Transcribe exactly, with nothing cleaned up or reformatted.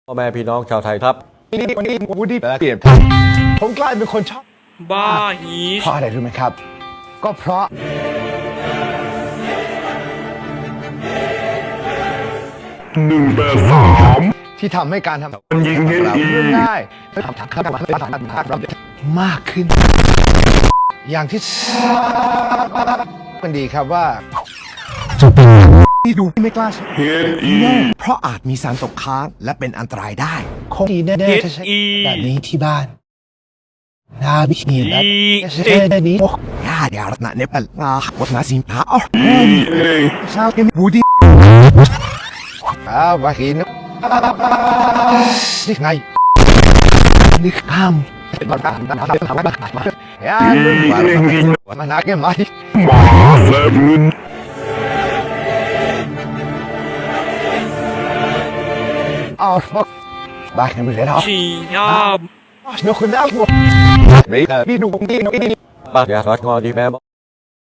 พ่อแม่พี่น้องชาวไทยครับวันนี้วันนี้วูดดี้เปลี่ยนผมกลายเป็นคนชอบบ้าฮีเพราะอะไรรู้ไหมครับก็เพราะหนึ่งแปดสามที่ทำให้การทำมันยิงให้อีได้ทำทำทำมากขึ้น อย่างที่มันดีครับว่าที่ดูไม่กล้าเฮดอีเพราะอาจมีสารตกค้างและเป็นอันตรายได้คงดีแน่ๆจะใช้แบบนี้ที่บ้านนาบิชีนใช้ได้นี้โอ้ยาเดี๋ยวนะเนี่ยเป็นอ่าวัฒนศิลป์อ๋ออีเอชาวเกมบูดี้อ้าวมากินนี่ไงนี่ข้ามเป็นบ้านบ้านบ้านบ้านบ้านบ้านยามันนักเก็ตมาที่หมาแลบเงินอ๋อบ้านกันไปเลยนะชียามเดี๋ยวคุณได้หมดไม่ได้พี่ดูนี่นี่ป้าอยากรักงอดีแม่